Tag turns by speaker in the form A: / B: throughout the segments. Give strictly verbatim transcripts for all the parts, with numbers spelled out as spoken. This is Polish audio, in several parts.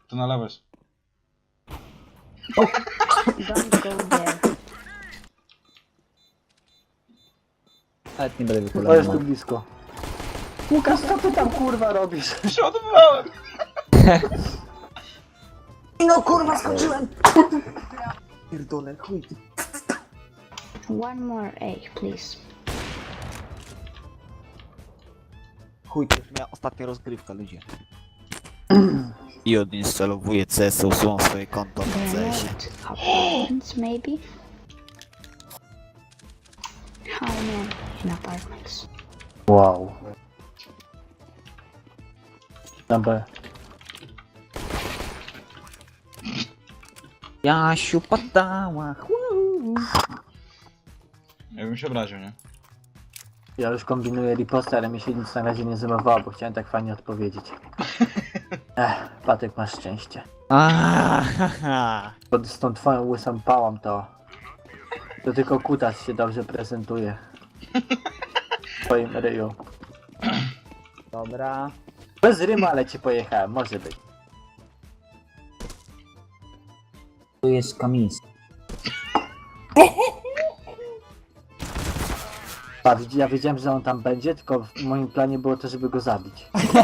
A: To na lewo jest.
B: Don't go there.
C: Nawet nie będę
D: Chyba jest tu
C: wychylony.
D: blisko. Łukasz, co ty tam kurwa robisz?
A: Przeładowałem!
C: No kurwa, skończyłem! Pierdolę, chuj ty.
B: One more A, please.
C: Chuj, to już moja ostatnia rozgrywka, ludzie. I odinstalowuję C S, usuwam swoje konto na
B: They're
C: C S-ie.
B: not apartments, maybe? How many in apartments?
D: Wow. Na B.
C: Jasiu padała, chuu.
A: Ja bym się obraził, nie?
D: Ja już kombinuję riposte, ale mi się nic na razie nie zamawiało, bo chciałem tak fajnie odpowiedzieć. Ech, Patek, masz szczęście.
C: Aaaa.
D: Bo z tą twoją łysą pałą to... To tylko kutas się dobrze prezentuje. W twoim ryju.
C: Dobra.
D: Bez rymu, ale ci pojechałem, może być.
C: Tu jest Kamis.
D: A, widz- ja wiedziałem, że on tam będzie, tylko w moim planie było to, żeby go zabić.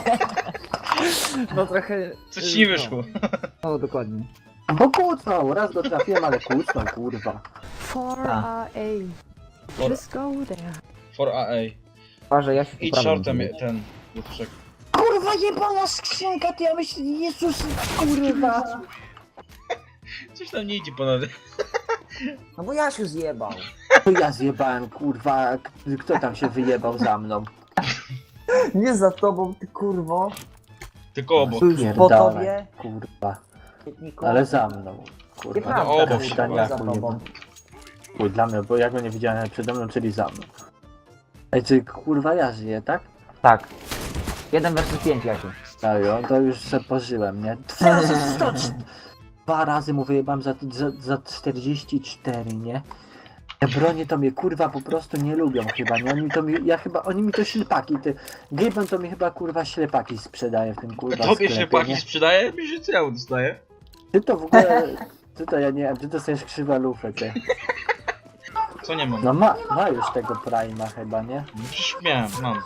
C: No trochę...
A: Coś ci nie wyszło.
C: No dokładnie.
D: Bo kłócnął, raz go trafiłem, ale kłócnął, kurwa.
E: For
C: A.
E: uh, A.
A: For,
E: Just go there.
A: for A A.
C: Uważaj, Jasiu,
A: Idź
C: poprawiam
A: shortem
C: ciebie.
A: ten. Lutuszek.
D: Kurwa, jebana skrzynka, ty ja myślę, Jezus, kurwa.
A: Coś tam nie idzie ponad.
C: No bo Jasiu zjebał.
D: To ja zjebałem, kurwa, k- kto tam się wyjebał za mną?
C: Nie za tobą, ty kurwo.
A: Tylko obok.
C: Tuż po
D: Pierdolę,
C: tobie.
D: kurwa,
C: Świetniku.
D: ale za mną, kurwa.
C: Nieprawda,
A: obok,
C: kurwa,
D: Szczaniaku,
C: za tobą.
D: Chuj, dla mnie, bo ja go nie widziałem nawet przede mną, czyli za mną. Ej, czy kurwa ja żyję, tak?
C: Tak. jeden versus pięć, Jasiu.
D: Serio, to już se pożyłem, nie? Dwa razy sto, dwa razy mu wyjebałem za, za, za czterdzieści cztery, nie? Te bronie to mnie kurwa po prostu nie lubią chyba, nie? Oni to mi, ja chyba, oni mi to ślepaki, ty... Gaben to mi chyba kurwa ślepaki sprzedaje w tym kurwa
A: Tobie
D: sklepie,
A: się paki
D: nie?
A: sprzedaje? Mi się cały dostaje.
D: Ty to w ogóle, ty to ja nie wiem, ty dostajesz krzywa lufę, ty.
A: Co nie mam?
D: No ma, ma już tego Prima chyba, nie?
A: No przecież miałem, mam.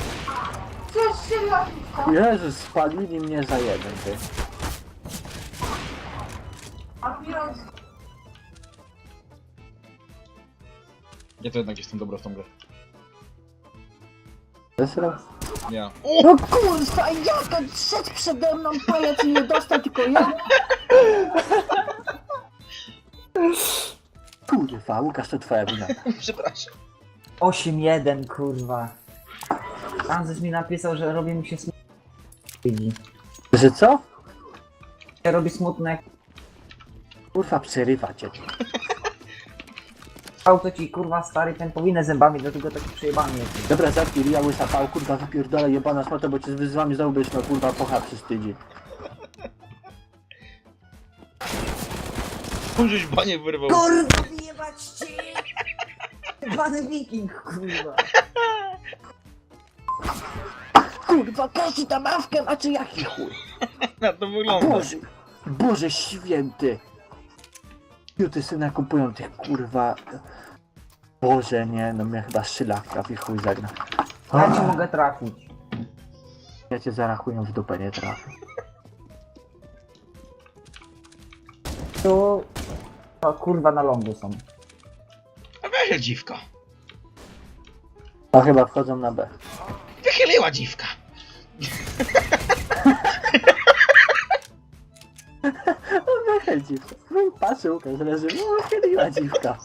D: Jezus, spalili mnie za jeden, ty.
A: Ja to jednak jestem dobry w tą grę.
D: Zesrał?
A: Ja.
D: No kurwa, jak on szedł przede mną, pajac i nie dostał, tylko ja? Kurwa, Łukasz, to twoja wina.
A: Przepraszam.
C: osiem jeden, kurwa. Francis mi napisał, że robi mi się smutno. Widzi.
D: Że co?
C: Robi smutno jak
D: Kurwa, przerywa cię.
C: auto ci, kurwa, stary, ten powinę zębami, dlatego taki przejebany jest.
D: Dobra, zamknij, ja łysa pał, kurwa, wypierdolę jebana szmata, bo cię z wami znowu będziesz miał, kurwa, pocha przystydzi.
A: Żeś banie wyrwał.
C: Kurwa, wyjebać ci! Jebany wiking, kurwa.
D: Kurwa, każdy tam awkę ma, czy jaki chuj?
A: Na to wygląda.
D: Boże, Boże święty. Juty syna kupują tych, kurwa... Boże, nie, no mnie chyba szylawka w ich chuj zagna.
C: Ja ci mogę trafić.
D: Ja cię zarachuję w dupę, nie trafię.
C: Tu... To kurwa na lądu są.
A: A weź dziwka.
D: No chyba wchodzą na B.
A: Wychyliła dziwka.
D: No dziwka. No i patrzę, Łukasz leży, no chyliła dziwka.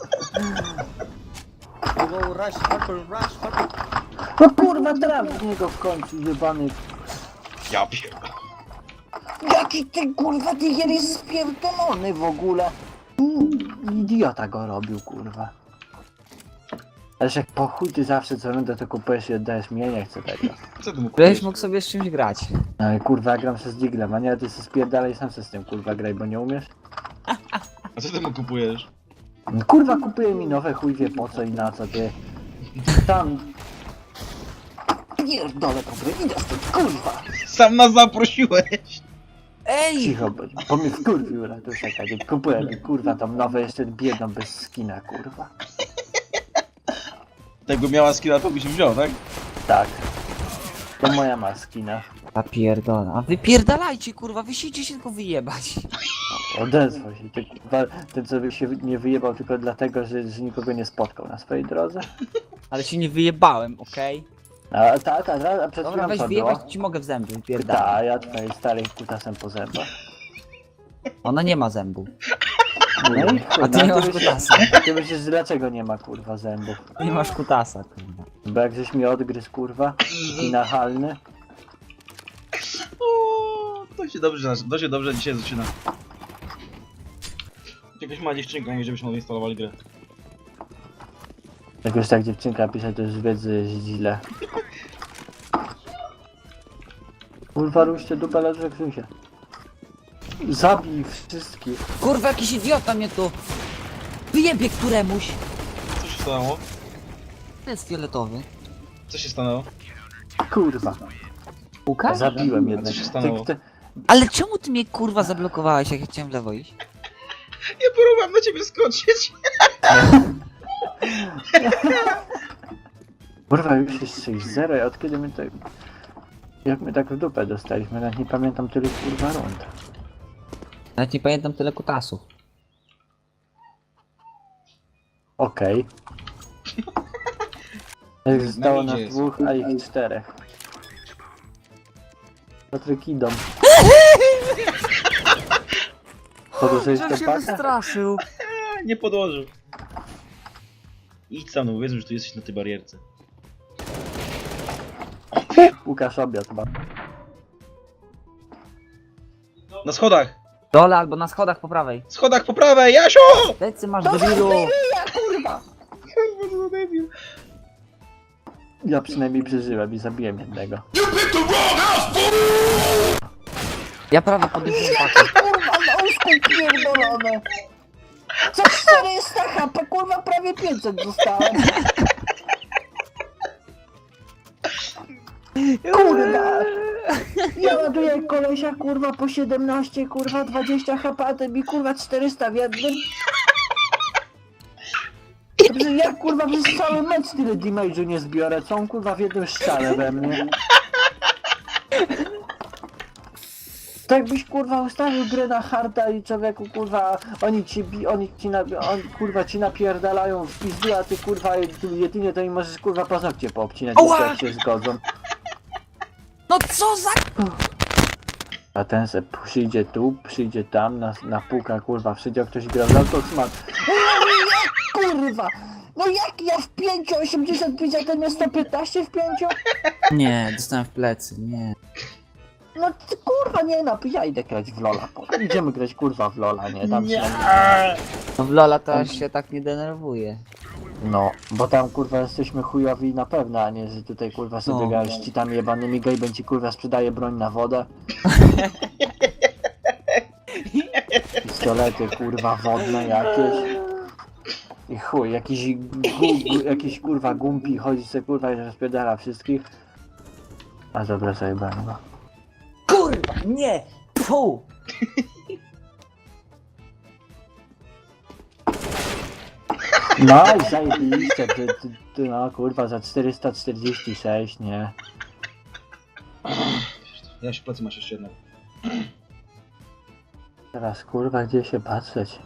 D: No kurwa, traf w niego w końcu, jebany.
A: Ja pierdolę.
D: Jaki ty kurwa, ty jest spierdolony w ogóle. Mm, Idiota go robił, kurwa. Ależ jak po chuj ty zawsze co rundę to kupujesz i oddajesz mnie, nie chcę tego.
A: Co ty mógł
C: Żebyś mógł sobie z czymś grać.
D: No ale kurwa, ja gram się z Diglem, a nie, ty się spierdalaj sam się z tym kurwa graj, bo nie umiesz.
A: A co ty mu kupujesz?
D: No, kurwa, kupuję mi nowe, chuj wie po co i na co, ty. Tam... Pierdolę tą grę, idę stąd, kurwa.
A: Sam nas zaprosiłeś.
C: Ej!
D: Cicho, bo, bo mnie wkurwił Ratuszek, a nie kupuję mi kurwa tam nowe jeszcze biedną bez skina kurwa.
A: Tego miała skina, to byś wziął, tak?
D: Tak. To moja ma skina.
C: A pierdolę. A wypierdalajcie kurwa, wysicie się tylko wyjebać.
D: Odezwał się. Ty, kurwa, ten co się nie wyjebał tylko dlatego, że, że nikogo nie spotkał na swojej drodze.
C: Ale się nie wyjebałem, okej?
D: A tak, a, a, a przed
C: Dobra,
D: chwilą
C: weź
D: co
C: wyjebać,
D: było?
C: ci mogę w zęby, wypierdalaj.
D: Tak, ja twojej starej kutasem po zębach.
C: Ona nie ma zębu.
D: No i
C: A
D: kurwa,
C: ty nie masz
D: myślisz,
C: kutasa.
D: ty myślisz, dlaczego nie ma kurwa zębów?
C: Nie masz kutasa, kurwa.
D: Bo jak żeś mi odgryzł kurwa i nachalny.
A: O, to się dobrze, to się dobrze dzisiaj zaczyna. Jakaś mała dziewczynka mówi, żebyśmy odinstalowali grę.
D: Jak już tak dziewczynka pisze, to już wiedzy jest źle. Kurwa, ruszcie dupę, leży Krzysia. Zabij wszystkich.
C: Kurwa, jakiś idiota mnie tu wyjebie któremuś.
A: Co się stanęło?
C: To jest fioletowy.
A: Co się stanęło?
D: Kurwa.
C: Łukasz?
D: Zabiłem
A: A
D: jednego.
A: co się stanęło?
D: Ty- ty-
C: Ale czemu ty mnie kurwa zablokowałeś, jak ja chciałem w lewo iść?
A: Ja próbowałem na ciebie skoczyć.
D: Kurwa, już jest sześć zero, i od kiedy my to... Jak my tak w dupę dostaliśmy, nawet nie pamiętam tyle kurwa rund.
C: Nawet nie pamiętam tyle kutasów.
D: Okej. Okay. Zostało
A: midzie
D: nas
A: jest.
D: dwóch, a ich czterech. Patryk idą. Podłożyłeś tę pakę?
C: wystraszył.
A: A, nie podłożył. Idź sam, no powiedzmy, że tu jesteś na tej barierce.
D: Łukasz obiad ma.
A: Na schodach!
C: Dole albo na schodach po prawej.
A: Schodach po prawej, Jasio!
C: Lecy masz debilu.
D: Kurwa!
A: Kurwa, co za debil.
D: Ja przynajmniej przeżyłem i zabiłem jednego.
C: Ja prawie podniosłem pakę.
D: Kurwa, na łóżku pierdolone! Za czterysta H P, kurwa, prawie pięćset dostałem. Kurwa! Ja ładuję kolesia, kurwa, po siedemnaście, kurwa, dwadzieścia H P, a ty mi, kurwa, czterysta w jednym. Dobrze, ja, kurwa, przez cały mecz tyle damage'u nie zbiorę, co on, kurwa, w jednym strzale we mnie. Tak byś, kurwa, ustawił grę na harda i człowieku, kurwa, oni ci, bi- oni ci, na- on, kurwa, ci napierdalają w pizdu, a ty, kurwa, jed- jedynie to im możesz, kurwa, paznokcie poobcinać,
C: Ała!
D: jak się zgodzą.
C: No co za...
D: A ten se przyjdzie tu, przyjdzie tam, na, na półkach, kurwa, przyjdzie ktoś gra w autosmat. Kurwa! No jak ja w pięciu osiemdziesiąt pięć, a ten miał sto piętnaście w pięciu?
C: Nie, dostałem w plecy, nie.
D: No ty, kurwa, nie no, ja idę grać w Lola. po- Idziemy grać, kurwa, w Lola, nie? Tam
A: Nie.
C: No w Lola to aż się tak nie denerwuje.
D: No, bo tam, kurwa, jesteśmy chujowi na pewno, a nie, że tutaj, kurwa, sobie
C: No.
D: grasz ci tam jebanymi gejbem ci, kurwa, sprzedaje broń na wodę. Pistolety, kurwa, wodne jakieś. I chuj, jakiś, gu, jakiś kurwa gumpi chodzi se, kurwa, i rozpierdala wszystkich. A dobra, sobie będę.
C: Kurwa, nie! Fu!
D: No i zajebiście, ty, ty, ty, no kurwa, za czterysta czterdzieści sześć, nie?
A: Jasiu, plecy masz jeszcze jednego.
D: Teraz, kurwa, gdzie się patrzeć?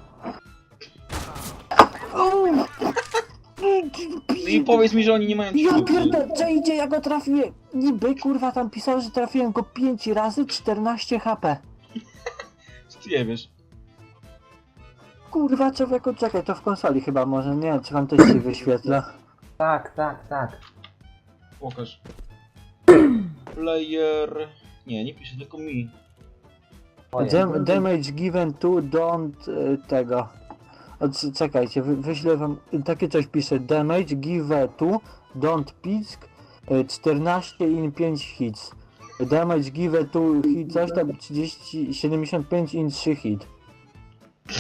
A: I powiedz mi, że oni nie mają
D: Ja
A: czwórki.
D: pierdolę, co idzie, ja go trafiłem. Niby, kurwa, tam pisał, że trafiłem go pięć razy, czternaście H P.
A: Co ty nie wiesz?
D: Kurwa, człowieku, czekaj, to w konsoli chyba może, nie, czy wam też się wyświetla?
C: Tak, tak, tak.
A: Pokaż. Player... Nie, nie pisze, tylko mi.
D: Dam damage given to don't y, tego. O, c- czekajcie, wy, wyślę wam, takie coś pisze, damage given to don't pisk y, czternaście in pięć hits. Damage given to hit coś tam trzydzieści, siedemdziesiąt pięć in trzy hit.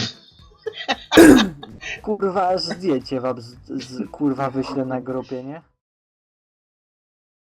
D: Kurwa, aż zdjęcie wam z, z, kurwa wyślę na grupie, nie?